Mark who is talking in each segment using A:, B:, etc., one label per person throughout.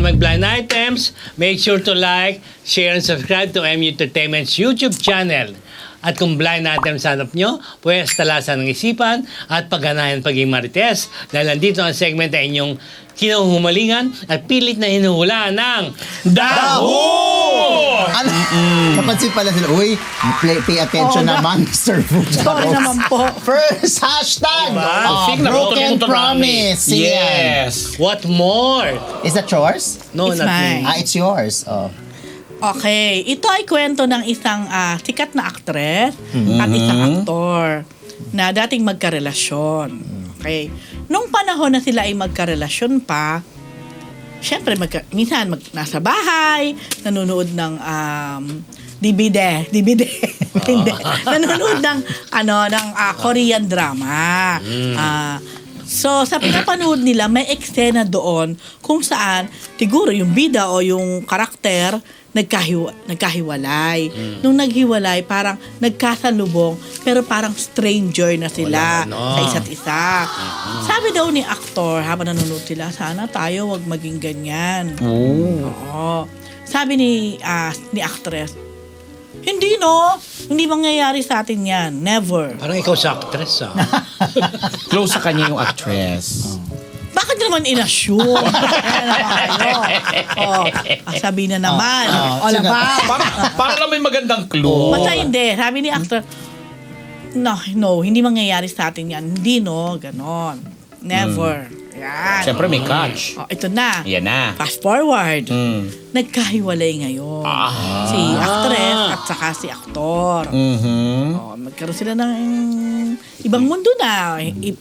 A: mag-blind items, make sure to like, share, and subscribe to MU Entertainment's YouTube channel. At kung blind items hanap nyo, pwes talasan ng isipan at pagganahan paging marites. Dahil nandito ang segment na inyong kinuhumalingan at pilit na hinuhulaan ng Daho!
B: Ano? Napansin pala sila, uy, pay attention naman, Mr. Food.
C: Sorry naman po.
B: First hashtag, broken promise.
D: Yes.
A: What more?
B: Is that yours?
A: No,
C: It's
A: not
C: mine.
A: me.
B: It's yours. Oh.
C: Okay, ito ay kwento ng isang sikat na aktres at isang aktor na dating magkarelasyon. Okay. Nung panahon na sila ay magkarelasyon pa, syempre minsan nasa bahay, nanonood ng DVD. Hindi. Nanonood ng Korean drama. So, sa pinapanood nila, may eksena doon kung saan siguro yung bida o yung karakter nagkahiwalay. Nung naghiwalay, parang nagkasalubong, pero parang stranger na sila sa isa't isa. Sabi daw ni aktor, habang nanonood sila, sana tayo wag maging ganyan. Oo. Sabi ni actress, hindi hindi mangyayari sa atin yan. Never.
A: Parang ikaw sa actress,
D: Close sa kanya yung actress.
C: Bakit naman in-assume? Kaya naman kayo. Sabi na naman. Ba?
D: Para lang may magandang clue.
C: Basta hindi. Sabi ni actor, no, hindi mangyayari sa atin yan. Hindi, ganon. Never. Yan.
D: Siyempre may catch.
C: Ito na.
D: Yan na.
C: Fast forward. Nagkahiwalay ngayon. Si actress at saka si aktor. Magkaroon sila ng ibang mundo na.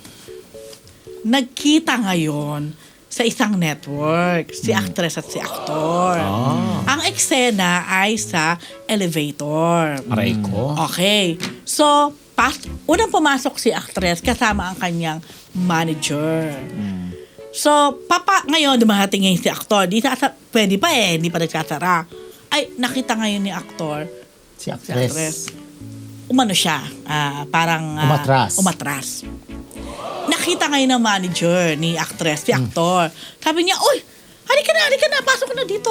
C: Nagkita ngayon sa isang network, si actress at si aktor. Ang eksena ay sa elevator.
D: Aray ko.
C: Okay. So, unang pumasok si actress kasama ang kanyang manager. So, ngayon, dumating ngayon si aktor. Pwede pa hindi pa nagsasara. Ay, nakita ngayon ni aktor.
B: Si actress.
C: Umano siya. Parang... umatras. Nakita ngayon ng manager ni actress, si aktor. Sabi niya, uy, halika na, pasok na dito.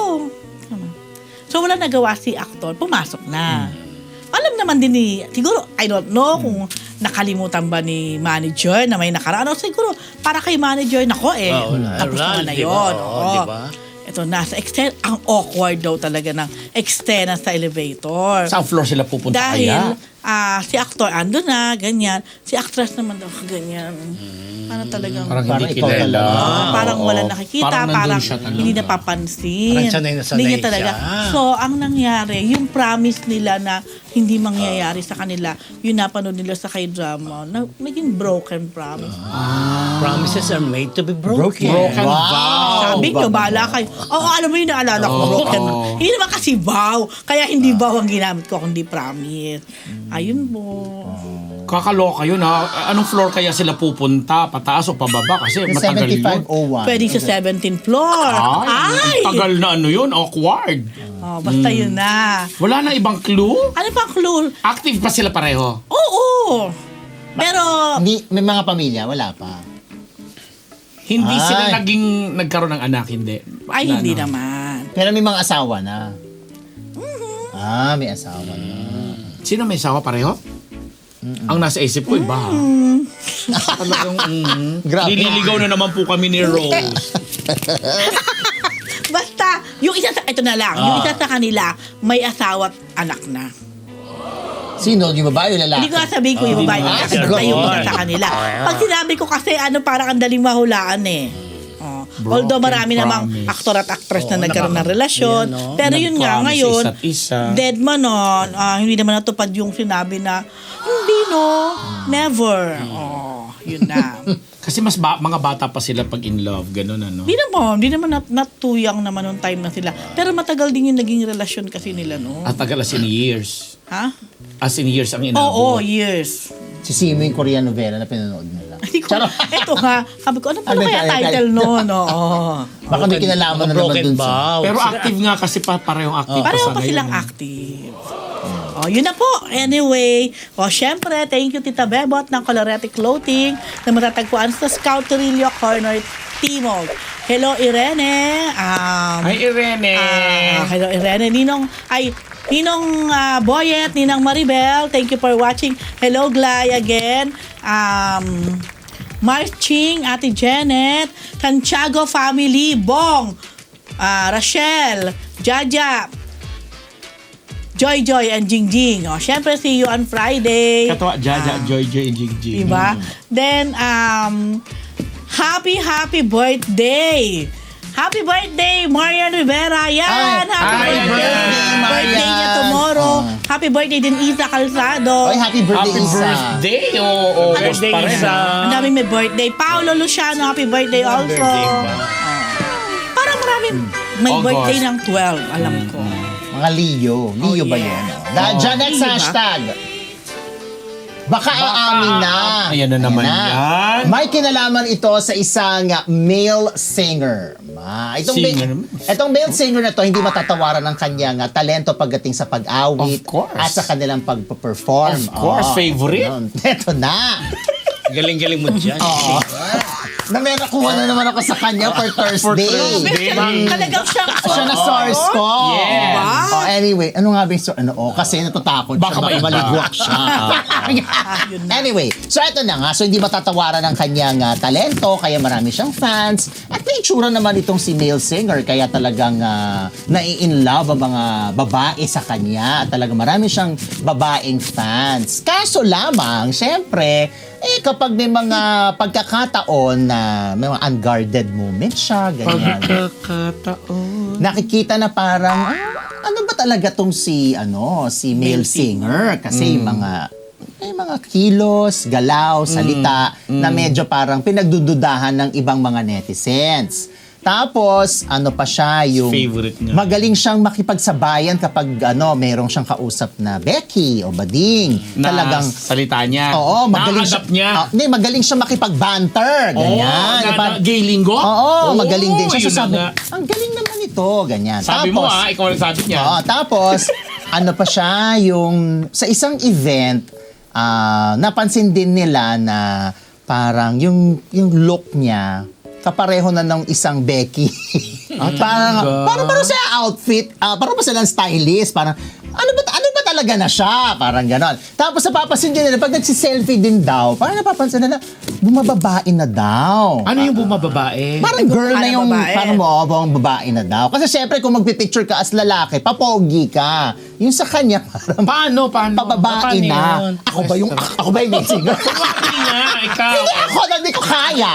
C: So, wala nagawa si aktor, pumasok na. Alam naman din siguro, I don't know kung nakalimutan ba ni manager na may nakaraan. Siguro, para kay manager, tapos na yun.
A: Diba?
C: Ito, nasa extent, ang awkward daw talaga ng extent sa elevator.
D: Saan floor sila pupunta
C: Dahil,
D: kaya?
C: si actor ando na, ganyan. Si actress naman daw, ganyan. Parang talagang...
D: Parang hindi
B: ikaw
D: kilala.
C: parang wala nakikita, parang
D: nandun siya talaga.
C: hindi napapansin.
A: Parang sanay na sanay
C: Hindi niya talaga.
A: siya.
C: So, ang nangyari, yung promise nila na hindi mangyayari sa kanila, yung napanood nila sa K-drama, naging broken promise.
A: Promises are made to be broken.
B: Wow.
C: Sabi nyo, bahala kayo. Alam mo yung naalala ko, broken. Hindi naman kasi vow. Kaya hindi vow ang ginamit ko, kundi promise. Ayun po.
D: Kakaloka yun ha. Anong floor kaya sila pupunta? Pataas o pababa? Kasi
B: Yung
D: matagal yun.
B: 7501.
C: Pwede sa 17th floor.
D: Ang tagal na yun. Awkward.
C: Basta yun na.
D: Wala na ibang clue?
C: Ano pang clue?
D: Active pa sila pareho?
C: Oo. Pero,
B: May mga pamilya, wala pa.
D: Hindi
B: Ay.
D: sila nagkaroon ng anak, hindi.
C: hindi naman.
B: Pero may mga asawa na. May asawa na.
D: Sino may sawa pareho? Ang nasa isip ko, iba. Talagang,
B: Grabe.
D: nililigaw na naman po kami ni Rose.
C: Basta, yung isa ito na lang, yung isa sa kanila, may asawa at anak na.
B: Sino? Yung babae o lalaki?
C: Hindi ko sabihin ko yung babae niya, basta yung isa sa kanila. Pag sinabi ko kasi, parang ang daling mahulaan Although marami namang
D: promise.
C: aktor at actress na nagkaroon ng relasyon. Pero yun nga,
D: Nag-promise
C: ngayon,
D: isa't isa.
C: dead man hindi naman natupad yung sinabi na, hindi never. Yun na.
D: Kasi mas mga bata pa sila pag in love, gano'n ano.
C: Hindi naman natuyang naman nung time na sila. Pero matagal din yung naging relasyon kasi nila, no?
D: At tagal as in years.
C: Ha?
D: As in years ang
C: Oo,
D: inabot.
C: years.
B: Si Simo yung Korean novela na pinanood nila.
C: Ito nga, sabi ko, ano pala
B: Ano
C: kaya
B: kaya-
C: title noon?
B: Baka may kinalaman na naman
A: Broken
B: dun sa...
A: vows.
D: Pero active nga kasi parehong active
C: Pareho
D: sa
C: pa
D: ngayon.
C: silang active. Yun na po. Anyway, syempre, thank you Tita Bebot ng Colorete Clothing na matatagpuan sa Scout Torillo Corner, Timog. Hello, Irene.
D: Hi, Irene.
C: Hello, Irene. Ninong Boyet, Ninang Maribel, thank you for watching. Hello, Glay again. Marching, Ate Janet, Santiago family, Bong, Rachel, Jaja, Joy, and Jingjing. O, syempre, see you on Friday.
D: Katawa, Jaja, Joy, Jingjing.
C: Diba? Then, happy birthday! Happy birthday, Marian Rivera! Yan! Happy birthday! Birthday niya tomorrow. Happy birthday din, Isa Calzado.
B: Ay, happy birthday,
D: Happy
B: Isa.
D: birthday. Oo,
A: Birthday,
D: pa rin,
A: Isa.
D: ah.
C: Ang dami may birthday. Paolo Luciano, happy birthday also.
A: birthday ba?
C: Parang maraming may
D: August.
C: birthday ng 12, alam ko.
B: Mga Leo. Leo ba
C: yeah.
B: yan? Dyan, next
C: Leo ba?
B: hashtag. Baka aamin na.
D: Ayan na naman yan.
B: May kinalaman ito sa isang male singer. Itong male singer na to, hindi matatawaran ng kanyang talento pagdating sa pag-awit
D: Of course.
B: at sa kanilang pag-perform.
D: Of course, favorite.
B: Ito na.
A: Galing-galing mo dyan.
B: Oo. Na may nakuha na naman ako sa kanya for Thursday.
C: Talagang
B: Siya na source ko.
D: Yes.
B: Oh, anyway, ano nga ba yung kasi natatakot
D: Baka
B: siya.
D: may iba.
B: Maligwak siya.
C: yun na.
B: Anyway, so ito na nga. So hindi matatawaran ng kanyang talento, kaya marami siyang fans. At may itsura naman itong si male singer, kaya talagang nai-in-love ang mga babae sa kanya. At talagang marami siyang babaeng fans. Kaso lamang, syempre, kapag may mga pagkakataon na may mga unguarded moments siya, ganyan.
D: Pagkakataon.
B: Nakikita na parang, ano ba talaga tong si male singer? Kasi may mga kilos, galaw, salita na medyo parang pinagdududahan ng ibang mga netizens. Tapos, ano pa siya, yung
D: Favorite niya.
B: magaling siyang makipagsabayan kapag merong siyang kausap na Becky o Bading. Talagang,
D: salita niya.
B: oo, magaling siya.
D: Nakakadap niya.
B: Magaling siya makipag-banter. Ganyan.
D: Gay linggo?
B: Oo, magaling din siya.
D: yun
B: So, sabi,
D: na nga.
B: ang galing naman ito, ganyan.
D: Sabi mo ikaw ang sabi niya.
B: Oo, tapos, ano pa siya, yung sa isang event, napansin din nila na parang yung look niya, kapareho na ng isang Becky. parang sa outfit, parang pa silang stylist, parang ano ba talaga na siya? Parang ganon. Tapos napapansin din nila, pag nagsiselfie din daw, parang napapansin nila, bumababae na daw.
D: Ano yung bumababae?
B: Parang girl na yung,
C: babae.
B: parang buong babae na daw. Kasi syempre kung magpipicture ka as lalaki, papogi ka. Yung sa kanya, parang
D: Paano?
B: pababae
A: Paano
B: na.
A: yun?
B: Ako ba yung singer?
D: Hindi nga, ikaw.
B: Hindi ko kaya.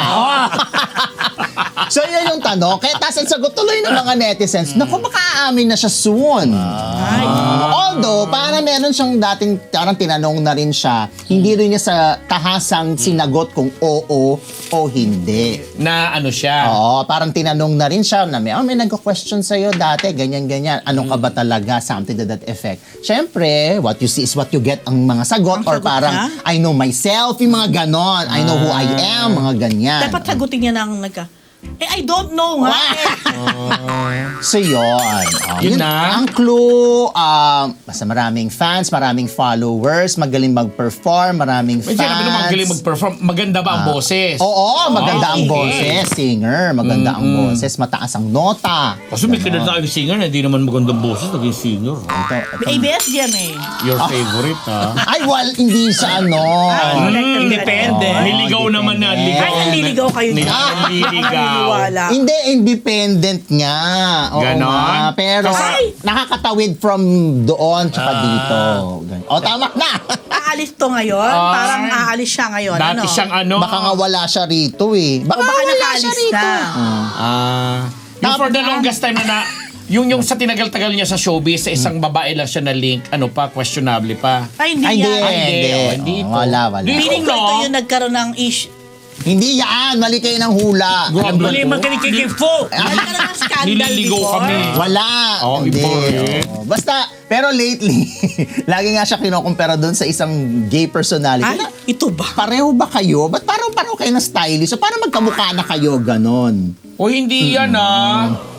B: So yun yung tanong. Kaya tas ang sagot tuloy ng mga netizens, naku, baka aamin na siya soon. Although, parang meron siyang dating, parang tinanong na rin siya, hindi rin niya sa tahasang sinagot kung oo o hindi.
D: Na ano siya?
B: Oo, parang tinanong na rin siya na may nagko-question sa'yo dati, ganyan-ganyan. Ano ka ba talaga? Something to that effect. Siyempre, what you see is what you get ang mga sagot.
C: Ang
B: Or
C: sagot
B: parang,
C: na?
B: I know myself, yung mga ganon. I know who I am, mga ganyan.
C: Dapat sagutin niya ng I don't know nga.
B: So yun.
D: Yun na.
B: Ang clue, basta maraming fans, maraming followers, magaling mag-perform, maraming
D: May
B: fans.
D: sinabi naman magaling mag-perform. Maganda ba ang boses?
B: Oo, maganda ang
C: sige.
B: boses, singer. Maganda ang boses, mataas ang nota.
D: Kasi may kinala tayong singer na hindi naman magandang boses, naging singer.
C: ABS yan eh.
D: Your favorite, ha?
B: Ay, hindi sa
A: Depende.
D: Niligaw naman na. Ligaw.
C: Ay, naliligaw kayo dyan.
D: Naliligaw.
C: Naniniwala.
B: Hindi, independent nga. Oo
D: Ganon?
B: nga. Pero
C: Ay!
B: nakakatawid from doon tsaka dito. O, tama na.
C: Aalis to ngayon? Parang aalis siya ngayon.
D: Dati siyang ano?
B: Baka nga wala siya rito eh.
C: Baka
B: wala
C: nakaalis
B: siya rito.
C: na.
D: Yung for the longest time na yung sa tinagal-tagal niya sa showbiz, sa isang babae lang siya na link, ano pa, questionable pa.
C: Ay, hindi
B: Ay, hindi.
C: yan.
D: Hindi ito.
B: Wala.
C: Feeling ko ito yung nagkaroon ng issue.
B: Hindi yan. Mali kayo ng hula.
A: Mali man ka ni Kikifo.
C: Nagkaroon ng scandal
D: Nililigaw
C: before.
D: kami.
B: Wala.
D: Oo,
B: Hindi.
D: iba eh.
B: Oo. Basta, pero lately, lagi nga siya kinukumpara doon sa isang gay personality.
C: Ay, ito ba?
B: Pareho ba kayo? Ba't parang kayo ng stylist? So, parang magkamukha na kayo, ganon.
D: O hindi yan,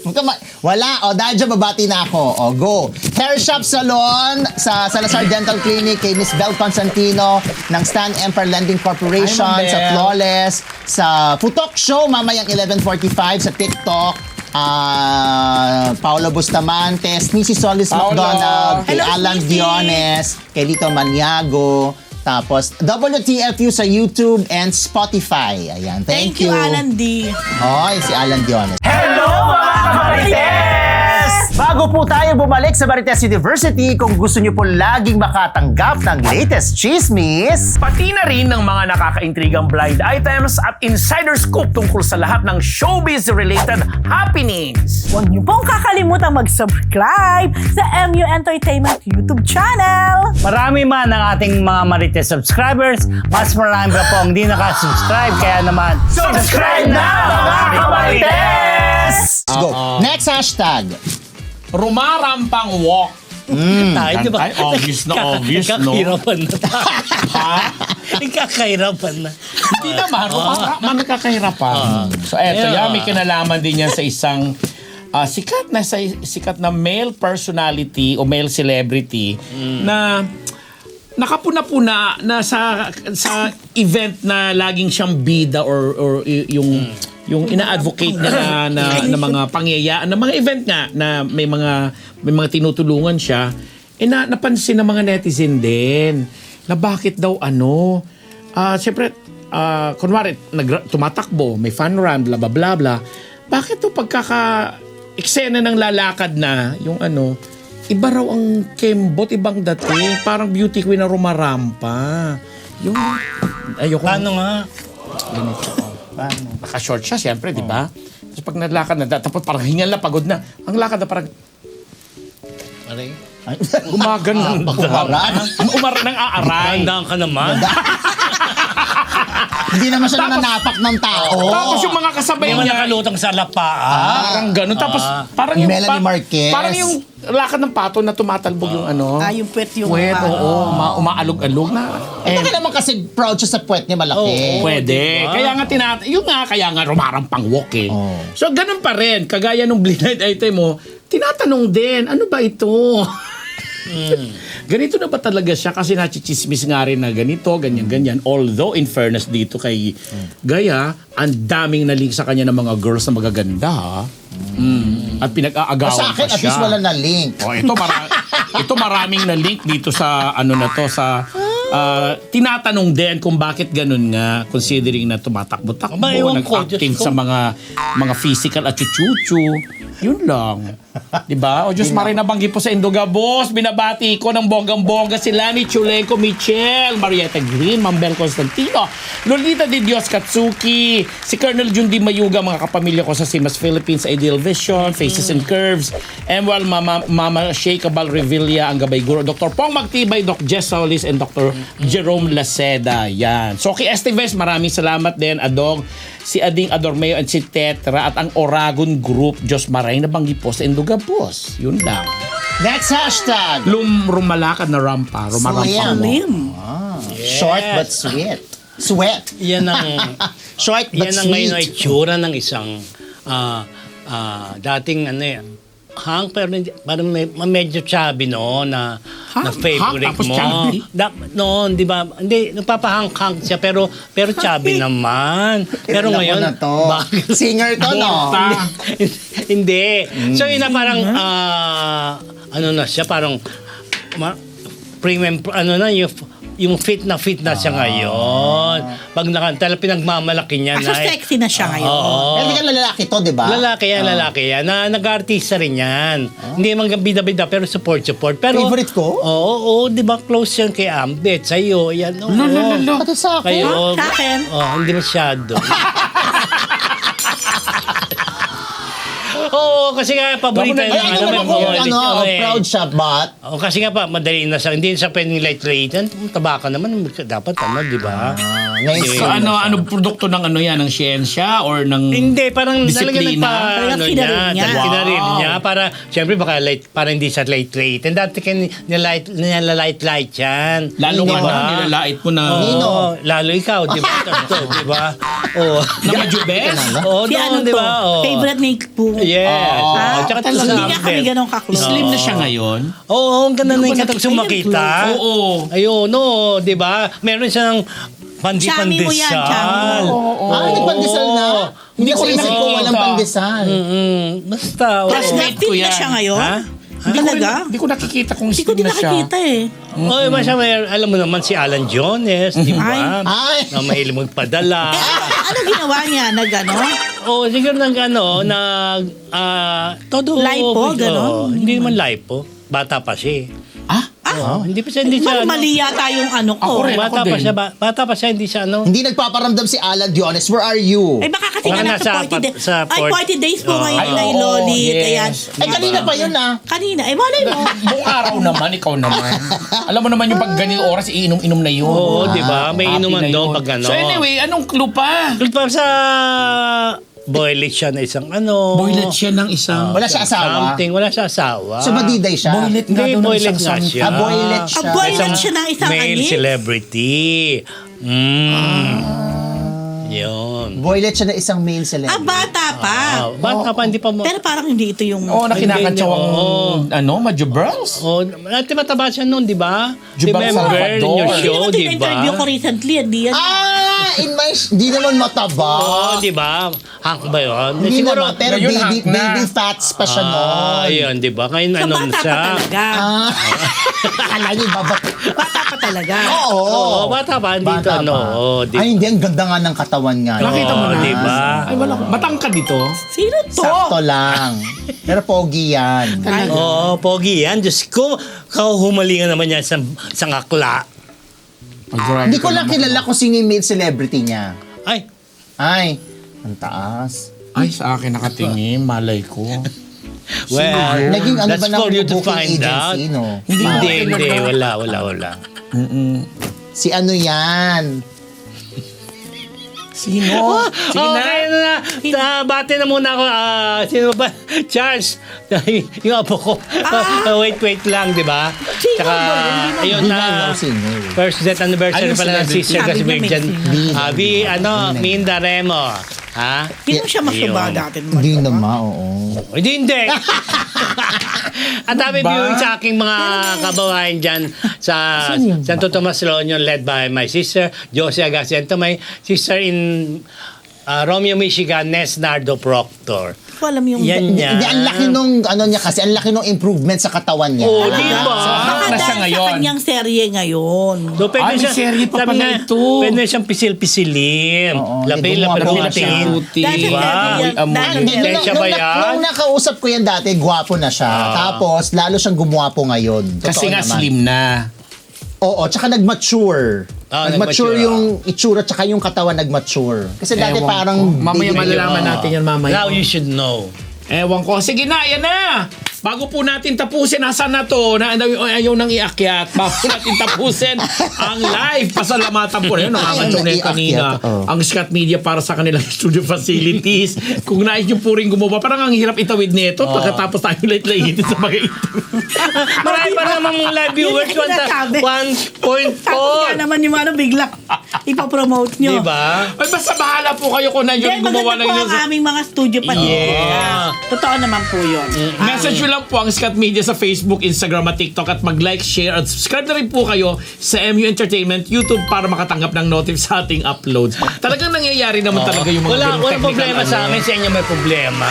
B: Wala. O, dahil dyan, babati na ako. O, go. Hair Shop Salon sa Salazar Dental Clinic kay Miss Bel Constantino ng Stan Empire Lending Corporation,
A: Hi, Ma'am
B: sa
A: Bel.
B: Flawless, sa Putok Show, mamayang 11:45 sa TikTok. Paolo Bustamantes, Nisi Solis
D: Paolo.
B: McDonald, kay
C: Hello,
B: Alan
C: Nisi.
B: Diones, kay Lito Maniago, tapos WTFU sa YouTube and Spotify. Ayan, thank you.
C: Alan D.
B: Oy, si Alan Diones.
E: Hello mga Marites! Bago po tayo bumalik sa Marites University, kung gusto niyo po laging makatanggap ng latest chismis, pati na rin ng mga nakakaintrigang blind items at insider scoop tungkol sa lahat ng showbiz-related happenings.
F: Huwag niyo pong kakalimutan mag-subscribe sa MU Entertainment YouTube channel.
A: Marami man ang ating mga Marites subscribers, mas marami pa po ang hindi nakasubscribe. Kaya naman,
E: Subscribe na mga Marites!
B: Let's go. Next hashtag.
D: Rumarampang walk.
A: tayo, di ba?
D: Ay, obvious na obvious, no?
A: Ikakahirapan na tayo.
D: Ha?
A: Ikakahirapan na.
D: Hindi naman. Rumarang nakakahirapan. So, eto,
A: Yeah.
D: yan, may kinalaman din yan sa isang sikat na male personality o male celebrity na nakapuna-puna na sa event na laging siyang bida or yung ina-advocate niya na mga pangyayaan, na mga event nga na may mga tinutulungan siya, napansin ng mga netizen din na bakit daw siyempre kunwari tumatakbo, may fun run, bla bla bla bla. Bakit to eksena ng lalakad na yung iba raw ang kembot, ibang dating, parang beauty queen na rumarampa. Yung ayoko.
A: Paano nga?
D: Naka-short siya, siyempre, di ba? Tapos pag nalakad na, tapos parang hingal na, pagod na. Ang lakad na parang
A: Aray.
D: gumagan ng umar ng aaray.
A: Tandaan ka naman.
B: Hindi naman siya nananapak ng tao.
D: Tapos yung mga kasabay
A: Hindi mo
D: niya,
A: nakalutang sa lapaan.
D: parang gano'n. Tapos parang yung
B: Melanie Marquez.
D: parang yung lakad ng pato na tumatalbog yung
C: Yung puwet yung...
D: puwet, oo, umaalog-alog na.
B: Baka naman kasi proud siya sa puwet niya malaki.
D: Pwede. Kaya nga kaya nga rumarampang walk eh.
B: Oh.
D: So ganun pa rin, kagaya nung blind item mo, tinatanong din, ano ba ito? Ganito na ba talaga siya? Kasi nachichismis nga rin na ganito, ganyan-ganyan. Although, in fairness dito kay Gaya, ang daming nalink sa kanya ng mga girls na magaganda. Ha? At pinag-aagawan
B: Sa akin,
D: pa
B: at
D: siya.
B: least wala na link.
D: Ito maraming na link dito sa tinatanong din kung bakit ganun nga, considering na tumatakbo-takbo,
A: Aba, ewan ko,
D: nag-active
A: Diyos ko.
D: sa mga physical at chuchuchu. Yun lang. Diba? O Diyos Maray, nabanggit po sa Indoga Boss. Binabati ko ng bonggang-bongga sila ni Chulenko Michel, Marietta Green, Mambel Constantino, Lolita de Dios Katsuki, si Colonel Jundi Mayuga, mga kapamilya ko sa Simas Philippines, Ideal Vision, Faces and Curves, Emuel Mama Shea Cabal Revilla, ang Gabay Guro, Dr. Pong Magtibay, Doc Jess Solis, and Dr. Jerome Laceda. Yan. So kay Esteves, maraming salamat din, Adong, si Ading Adormeo at si Tetra at ang Oragon Group, Diyos Maray, nabanggit po sa Indoga Boss. Yun lang.
B: Next hashtag.
D: Rumalakad na rampa. Rumarampang mo.
B: Short but sweet. Sweat.
A: Yan ang...
B: Short but
A: Yan ang ngayon ay
B: sweet.
A: itsura ng isang dating hang, pero parang medyo chubby na favorite
D: Hang, tapos
A: mo.
D: chubby?
A: Noon, di ba? Hindi, nagpapahang-hang siya, pero chubby naman. Pero
B: Alam ko
A: ngayon,
B: na to.
A: bakit?
B: Singer to, no?
A: Hindi. So, yun na parang, na siya, parang, premium, yung fit na siya ngayon. Pag nakanta, pinagmamalaki niya
C: So sexy na siya ngayon.
A: Oo.
B: Pero hindi lalaki to, di ba?
A: Lalaki yan. Nag-artista rin yan. Hindi man bida-bida, pero support. Pero,
B: Favorite ko?
A: Oo, di ba close yan kay Ambet, sa'yo. Yan, oo.
B: Pati sa akin.
A: Kayo,
C: Sa akin?
A: hindi masyado. Oo, kasi nga, paborito
D: Ay,
B: Ay, ano naman kung proud siya, but...
A: Kasi nga pa, madali na siya. Hindi siya pwedeng light-light. Taba ka naman, dapat di ba?
B: Ngayon,
A: Okay.
D: So ano produkto ng yan? Ng siyensya or ng...
A: Hindi, parang talaga
D: Disiplina?
C: Parang kinarin niya.
A: Kinarin niya. Para, siyempre, baka para hindi siya light-light. And dati nilalight-light yan.
D: Lalo
A: Di
D: nga
A: ba?
D: na, nilalait mo na...
A: Oo, lalo ikaw, di ba? Di ba? Oh.
D: Na majubes?
A: Oh,
C: Si ano
A: di
C: to?
A: ba? Oh.
C: Favorite ni Poo.
A: Yes.
C: Ah,
A: Oh, tsaka
D: talaga.
C: Hindi nga kami ganun ka-close.
D: Slim na siya ngayon.
A: Oo, ang ganda
D: Hindi ko
A: ng
D: pa
A: katag
D: nakita
A: sumakita.
D: Oo.
A: Ayun, no, di ba? Meron siyang
C: Chami mo yan, chami
A: pandesal.
C: mo.
B: Nagpandesal na? Hindi ko
D: rin
B: isip ko
D: nakikita.
B: walang pandesal.
A: Basta.
C: Tapos
A: oo.
D: Classmate ko
C: na
D: yan.
C: siya ngayon?
A: Ha?
C: Talaga?
D: Hindi ko nakikita kung
C: Hindi ko
D: slim
C: din
D: na siya.
C: nakikita eh.
A: Oy, alam mo naman si Alan Jones, di ba?
B: Ay.
A: Na mahilig magpadala.
C: Ano ginawa niya? Nag-ano?
A: Oh, siguro todo
C: Lipo, ganon?
A: Hindi naman lipo. Bata pa siya. Hindi pa siya
C: Mali yata yung ano ko.
D: Ako rin.
A: Bata pa siya, bata pa siya, hindi siya
B: Hindi nagpaparamdam si Alan Diones. Where are you?
C: Ay, baka kasi
A: Baka
C: nga nasa
A: nasa
C: 40 days.
A: sa
C: Ay, 40 days po ngayon
D: Ay,
C: na
D: oo,
C: Lolit.
D: yes.
C: Ayan.
B: Ay, kanina pa yun
C: Kanina. Eh, malay mo.
D: Buong araw naman, ikaw naman. Alam mo naman yung pag ganyung oras, iinom-inom na yun.
A: Oo, di ba? May
D: Happy
A: inuman
D: na
A: doon
D: yun.
A: pag ano.
D: So anyway, anong clue pa?
A: Tulad pa sa boylet siya na isang ano.
D: Boylet siya ng isang...
B: Wala siya asawa.
A: Something. Wala siya asawa.
B: So, madiday siya.
D: Boylet nga
A: Hindi,
D: daw ng
A: boylet
D: isang
A: nga
D: something.
A: siya.
B: Boylet siya.
C: Boylet siya ng isang
A: male
C: anis?
A: celebrity. Yun.
B: Boylet siya na isang male celebrity.
C: Bata pa.
A: Bata pa, hindi pa mo.
C: Pero parang hindi ito yung...
D: Oo, na kinakatsawang,
A: Oo.
D: Majubels?
A: Oh, dati mataba siya noon, di ba?
D: Jubal
A: Remember in your
D: Salvador.
A: show,
C: Hindi
A: di
C: naman interview ko
A: ba?
C: recently. Hindi yan.
B: In my... Di naman mataba.
A: Oo, di ba? Hank ba yun?
B: Hindi naman, pero
D: Ngayon,
B: baby,
D: hunk na.
B: baby fats pa siya noon.
A: Ayun, di ba? Ngayon
C: Sa
A: ano
C: bata pa
A: siya?
C: talaga.
B: Akala niyo babat.
C: Bata pa talaga.
B: Oo.
A: Oo, bata pa, hindi
B: Bata
A: ano.
B: pa.
A: Oo, di
B: Ay, hindi. Ang ganda nga ng katawan nga.
D: Nakita mo na.
A: di ba?
D: Ay, wala. Matangkad dito.
C: Sino to?
B: Sakto lang. Pero pogi yan.
A: Oo, pogi yan. Diyos ko, kahumalingan naman yan sa ngakla.
B: Hindi ko lang kilala kung sino yung male celebrity niya.
A: Ay,
B: Ay, ang taas.
D: Ay, sa akin nakatingin. Malay ko.
A: well,
B: Naging ano
A: that's
B: ba ng
A: for you to
B: booking
A: find out.
B: agency, no?
A: Hindi. Wala.
B: Si ano yan?
D: Sino? Sige na.
A: Okay na. Bati na muna ako. Sino ba? Charles. Yung apo ko. Wait lang, di ba?
C: Sino
A: Tsaka,
C: ba yun?
A: ayun
B: Hindi
A: na.
B: na alam sino.
A: First death anniversary
D: Ayun,
A: pala ng
D: celebrity.
A: sister
C: Sabi
A: kasi
C: niya may
A: Virgin.
B: sino.
A: Minda Remo. Ha?
C: Hindi mo siya masuba
A: Ayun.
C: dati.
B: Hindi naman, oo.
A: Hindi. Ang dami
D: Ba?
A: viewing sa aking mga kababayan dyan sa Santo Tomas Loño led by my sister, Josie Agaciento, my sister in Romeo, Michigan, Nes Nardo Proctor.
C: Hindi ko alam yung...
A: Yan niya.
B: Hindi, ang laki nung, ano niya kasi, ang laki nung improvement sa katawan niya.
A: Oh, di ba?
C: Baka
D: na siya
C: dahil sa
D: ngayon.
C: kanyang serye ngayon.
A: So, pwede
D: Ay, may
A: siya,
D: serye pa
A: sabi
D: pala
A: nga,
D: ito.
A: pwede siyang pisil-pisilin.
B: Oo,
A: Lapil-lapil
B: gumawa
A: ang
B: pa siya.
A: tingin.
C: Dahil sa
A: Diba?
C: serye yan.
D: Amoy.
C: dahil-
B: Hindi,
A: Hindi siya ba yan?
B: nung nakausap ko yan dati, gwapo na siya. Tapos, lalo siyang gumwapo ngayon. Totoo
D: Kasi nga
B: naman.
D: slim na.
B: Oo, tsaka nag-mature.
A: Nag-mature,
B: yung itsura, tsaka yung katawan nag-mature. Kasi dati
D: Ewan
B: parang...
D: ko. Mamaya
B: baby-
D: malalaman natin yan mamaya.
A: Now you should know.
D: Ewan ko. Sige na, yan na. Bago po natin tapusin, nasaan na to? Ayaw nang iakyat. Bago natin tapusin ang live. Pasalamatan po na yun. Nakakatsaw na yun kanina. Ang Scott Media para sa kanilang studio facilities. Kung nais nyo po rin gumawa, parang ang hirap itawid nito. Pagkatapos tayo late-late sa mga ito.
A: Marami pa naman mong live viewers.
C: Yun ang sinasabi.
A: 1.4.
C: Tapos nga naman yung ano bigla ipapromote nyo.
A: Diba?
D: Ay, basta bahala po kayo kung nandiyo
C: Then
D: gumawa
C: maganda
D: ng
C: po
D: yun.
C: ang aming mga studio pa.
A: Yeah.
C: Totoo naman po yun.
D: Message nyo lang po ang Scott Media sa Facebook, Instagram at TikTok at mag-like, share at subscribe na rin po kayo sa MU Entertainment YouTube para makatanggap ng notif sa ating uploads. Talagang nangyayari naman talaga yung mga ganung
A: Wala
D: technical
A: problema
D: ano.
A: sa amin. Sa inyo may problema.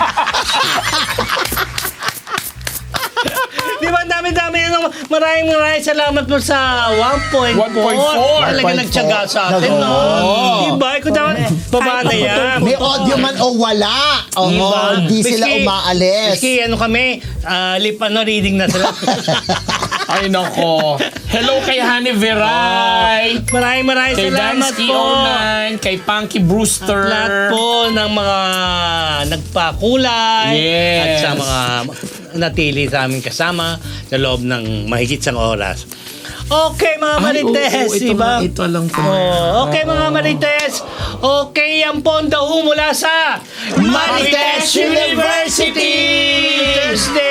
A: Di ba, ang dami-dami na maraming salamat po sa 1.4.
D: 1.4.
A: Talaga nagtyaga sa atin, no? Di ba? Ikaw dapat, baba na yan.
B: May audio man o wala. Oo,
A: Diba?
B: di sila
A: Miski-
B: umaalis.
A: Miski ano kami, reading na sila.
D: Ay nako. Hello kay Honey Veray.
A: Maraming
D: Kay
A: salamat
D: Dansky
A: po.
D: 09, kay Punky Brewster.
A: Lahat po ng mga nagpakulay
D: Yes.
A: at sa mga natili sa aming kasama sa loob ng mahigit sang oras. Okay mga Marites,
D: ito
A: diba?
D: ito alam ko.
A: Okay mga Marites, okay ang pondo mula sa Marites University! Thursday!